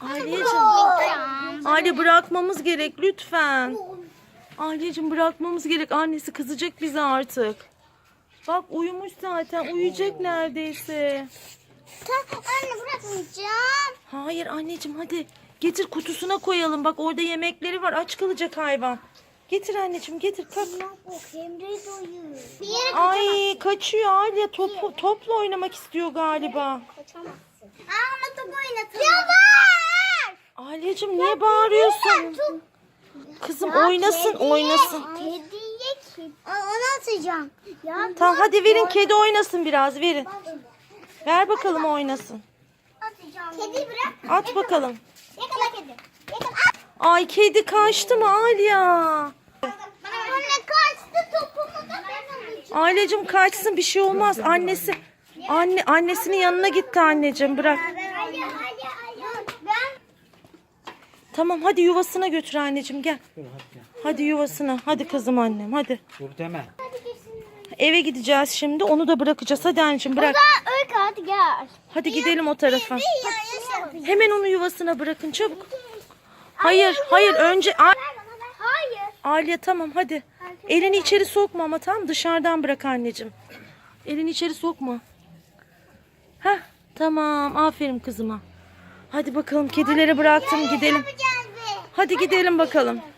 Aileciğim. Aile bırakmamız gerek lütfen. Aileciğim bırakmamız gerek. Annesi kızacak bize artık. Bak uyumuş zaten. Uyuyacak neredeyse. Anne bırakmayacağım. Hayır anneciğim hadi. Getir kutusuna koyalım. Bak orada yemekleri var. Aç kalacak hayvan. Getir anneciğim getir kalk. Emre doyuyor. Bir yere Ay kaçıyor Alya. Topla oynamak istiyor galiba. kaçamazsın. Ama top oynatalım. Ya var. Alyacığım niye bağırıyorsun? Kızım oynasın oynasın. Kediye kim? Onu atacağım. Ya Tamam hadi verin kedi oynasın biraz verin. Ver bakalım oynasın. atacağım. Kediyi bırak. At bakalım. Yakala kedi. Yakala. Ay kedi kaçtı mı Alya? Anne kaçtı topumu da ben alacağım. Alyacığım kaçsın bir şey olmaz. Annesinin yanına gitti anneciğim bırak. Hadi. Ben Tamam hadi yuvasına götür anneciğim gel. Hadi yuvasına. Hadi kızım annem hadi. Dur deme. Eve gideceğiz şimdi. Onu da bırakacağız. Hadi anneciğim bırak. Öykü hadi gel. Hadi gidelim o tarafa. Hayır. Hemen onu yuvasına bırakın çabuk. Hayır önce Hayır. Alya tamam hadi. Elini içeri sokma ama tam dışarıdan bırak anneciğim. Elini içeri sokma. Heh tamam aferin kızıma. Hadi bakalım kedileri bıraktım gidelim. Hadi gidelim bakalım.